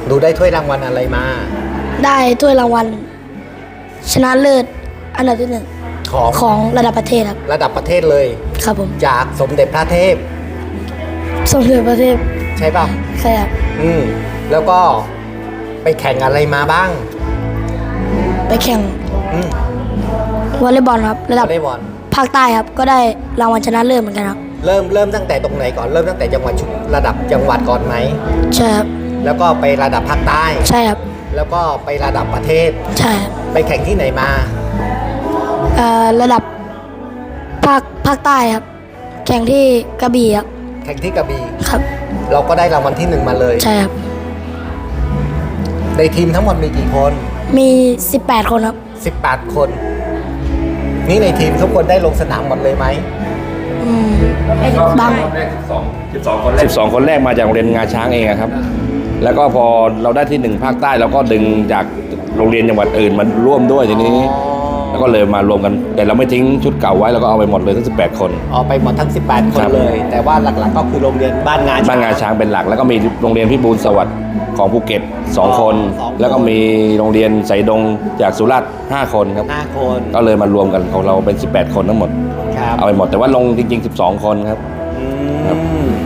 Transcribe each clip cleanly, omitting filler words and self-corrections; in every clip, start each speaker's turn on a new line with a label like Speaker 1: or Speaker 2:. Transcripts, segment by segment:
Speaker 1: ดูได้ถ้วยรางวัลอะไรมา
Speaker 2: ได้ถ้วยรางวัลชนะเลิศอันดับที่
Speaker 1: ของ
Speaker 2: 1ของระดับประเทศครับ
Speaker 1: ระดับประเทศเลย
Speaker 2: ครับผม
Speaker 1: จากสมเด็จพระเทพ
Speaker 2: สมเด็จพระเทพ
Speaker 1: ใช่ป่ะ
Speaker 2: ใช่ครับ
Speaker 1: แล้วก็ไปแข่งอะไรมาบ้าง
Speaker 2: ไปแข่ง
Speaker 1: อืม
Speaker 2: วอลเลย์บอลครับระดับ
Speaker 1: วอลเลย์บอล
Speaker 2: ภาคใต้ครับก็ได้รางวัลชนะเลิศเหมือนกันครับ
Speaker 1: เริ่มตั้งแต่ตรงไหนก่อนเริ่มตั้งแต่จังหวัดระดับจังหวัดก่อนไหม
Speaker 2: ใช่ครับ
Speaker 1: แล้วก็ไประดับภาคใต้
Speaker 2: ใช่ครับ
Speaker 1: แล้วก็ไประดับประเทศ
Speaker 2: ใช่ครับ
Speaker 1: ไปแข่งที่ไหนมา
Speaker 2: ระดับภาคใต้ครับแข่งที่กระบี่ครับ
Speaker 1: แข่งที่กระบี่
Speaker 2: ครับ
Speaker 1: เราก็ได้รางวัลที่1มาเลย
Speaker 2: ใช่ครับ
Speaker 1: ในทีมทั้งหมดมีกี่คน
Speaker 2: มี18คนครับ
Speaker 1: 18 คน นี่ในทีมทุกคนได้ลงสนามหมดเลยไหม
Speaker 2: บาง
Speaker 3: 12 คนแรกมาจากโรงเรียนงาช้างเองอะครับ แล้วก็พอเราได้ที่1ภาคใต้เราก็ดึงจากโรงเรียนจังหวัดอื่นมาร่วมด้วยทีนี้ แล้วก็เลยมารวมกัน แต่เราไม่ทิ้งชุดเก่าไว้เราก็เอาไปหมดเลยทั้ง18 คน
Speaker 1: ออกไปหมดทั้ง 18 คน
Speaker 3: ครับ
Speaker 1: เลย แต่ว่าหลักๆก็คือโรงเรียนบ้านงาน
Speaker 3: บ้านงาช้างเป็นหลัก แล้วก็มีโรงเรียนพิบูลสวัสดิ์ของภูเก็ต2 คน แล้วก็มีโรงเรียนไสดงจากสุราษฎร์5 คนครับ
Speaker 1: 5 คน
Speaker 3: ก็เลยมารวมกันของเราเป็น18 คนทั้งหมด
Speaker 1: ครับ
Speaker 3: เอาไปหมดแต่ว่าลงจริงๆ12 คนครับ ครับ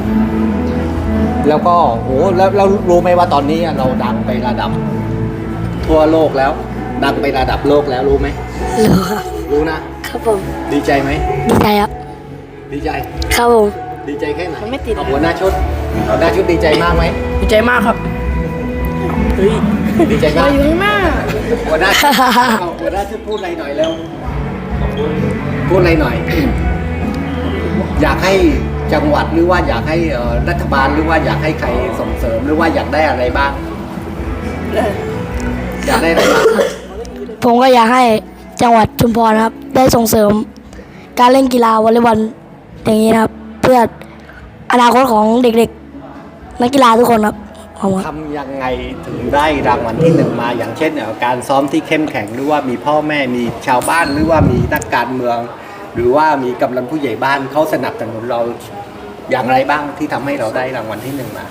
Speaker 1: แล้วก็โหแล้วรู้ไหมว่าตอนนี้เราดังไประดับทั่วโลกแล้ว ดังไประดับโลกแล้วรู้ไหม
Speaker 2: รู้ครับ
Speaker 1: รู้นะ
Speaker 2: ครับผม
Speaker 1: ดีใจไหม
Speaker 2: ดีใจครับ
Speaker 1: ดีใจ
Speaker 2: ครับผม
Speaker 1: ดีใจแค่ไหน
Speaker 2: มันไม่ติด
Speaker 1: หัวหน้าชุดดีใจมากไหม
Speaker 4: ดีใจมากครับ
Speaker 1: ดีใจมาก
Speaker 2: อยู่ข้างหน้า
Speaker 1: หัวหน้าหัวหน้าชุดพูดอะไรหน่อยแล้วพูดอะไรหน่อย อยากให้จังหวัดหรือว่าอยากให้รัฐบาลหรือว่าอยากให้ใครส่งเสริมหรือว่าอยากได้อะไรบ้าง อยากได้อะไรบ้าง
Speaker 2: ผมก็อยากให้จังหวัดชุมพรครับ ได้ส่งเสริมการเล่นกีฬาวอลเลย์บอลอย่างนี้นะครับ เพื่ออนาคตของเด็กๆนักกีฬาทุกคนครับผมครับ
Speaker 1: ทำยังไงถึงได้รางวัลที่1มาอย่างเช่นการซ้อมที่เข้มแข็งหรือว่ามีพ่อแม่มีชาวบ้านหรือว่ามีนักการเมือง หรือว่ามีกำลังผู้ใหญ่บ้านเขาสนับสนุนเราอย่างไรบ้างที่ทำให้เราได้รางวัลที่1มา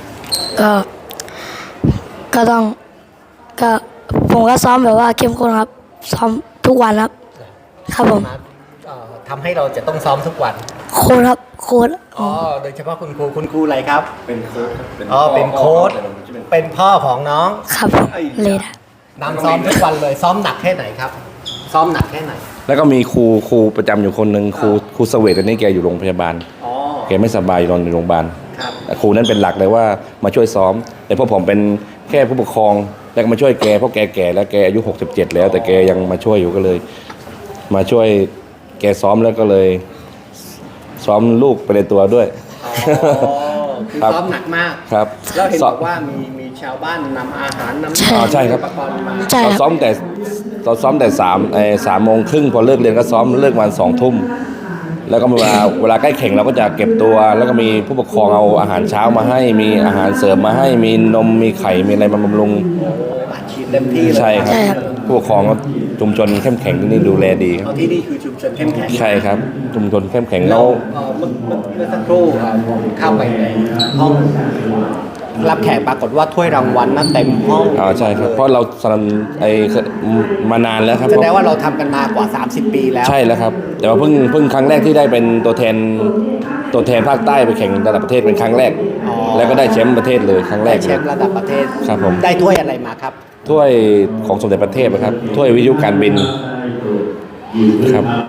Speaker 2: ก็ต้องก็ผมก็ซ้อมแบบว่าเข้มข้นครับซ้อมทุกวันครับ ครับผม
Speaker 1: ทำให้เราจะต้องซ้อมทุกวัน
Speaker 2: โค้ชครับโค้ช
Speaker 1: อ๋อโดยเฉพาะคุณครูอะไรครับ
Speaker 3: เป็นโค้ช
Speaker 1: อ๋อเป็นโค้ชเป็นพ่อของน้อง
Speaker 2: ครับผมเลยนะ
Speaker 1: นำซ้อมทุกวันเลยซ้อมหนักแค่ไหนครับ ซ้อมหนักแค่ไหน
Speaker 3: แล้วก็มีครูประจำอยู่คนหนึ่งครูเสวตอันนี้แกอยู่โรงพยาบาล
Speaker 1: อ๋อ
Speaker 3: แกไม่สบายนอนอยู่โรงพยาบาล
Speaker 1: ครับ
Speaker 3: แต่ครูนั้นเป็นหลักเลยว่ามาช่วยซ้อม แต่พวกผมเป็นแค่ผู้ปกครองแล้วก็มาช่วยแกเพราะแกแก่แล้วแกอายุ67แล้ว แต่แกยังมาช่วยอยู่ก็เลย มาช่วยแกซ้อมแล้วก็เลย ซ้อมลูกไปในตัวด้วย
Speaker 1: อ๋อคือ
Speaker 3: ครับ
Speaker 1: ซ้อมหนักมาก
Speaker 3: ครับ
Speaker 1: แล้วเห็น
Speaker 3: ซ้
Speaker 1: บ
Speaker 3: อม
Speaker 1: อกว่ามีชาวบ้านนำอาหารนำ
Speaker 3: ใช่ครับ
Speaker 1: อุปกรณ์มา
Speaker 2: ใช่
Speaker 3: เรา
Speaker 2: ครับ
Speaker 3: ซ้อมแต่3 โมงครึ่งพอเลิกเรียนก็ซ้อมเลิกวัน2 ทุ่มแล้วก็เวลาใกล้แข่งเราก็จะเก็บตัว แล้วก็มีผู้ปกครองเอาอาหารเช้ามาให้มีอาหารเสริมมาให้มีนมมีไข่มีอะไรมาบำรุง
Speaker 1: อัดฉีดเต็มที่เลย
Speaker 3: ใช่ครับ
Speaker 2: ใช่ครับ
Speaker 3: ผู้ปกครองก็ชุมชนเข้มแข็งที่นี่ดูแลดีครับ
Speaker 1: เอาที่นี่คือชุมชนเข้มแข็ง
Speaker 3: ใช่ครับ ชุมชนเข้มแข็ง
Speaker 1: แล้
Speaker 3: แล้ว ว
Speaker 1: เมื่อสักครู่ผมเข้าไปในห้องรับแขกปรากฏว่าถ้วยรางวัลนั้นเต็มห้อง
Speaker 3: ใช่ครับเพราะเราสนับมานานแล้วครับ
Speaker 1: แสดงว่าเราทำกันมากว่า 30 ปีแล้ว
Speaker 3: ใช่แล้วครับ แต่ว่าเพิ่งครั้งแรกที่ได้เป็นตัวแทนภาคใต้ไปแข่งระดับประเทศเป็นครั้งแรก
Speaker 1: อ๋อ
Speaker 3: แล้วก็ได้แชมป์ประเทศเลยครั้งแร
Speaker 1: ได้
Speaker 3: ก
Speaker 1: แชมป์ระดับประเทศ
Speaker 3: ครับผม
Speaker 1: ได้ถ้วยอะไรมาครับ
Speaker 3: ถ้วยของสมเด็จพระเทพนะครับถ้วยวิทยุการบินครับ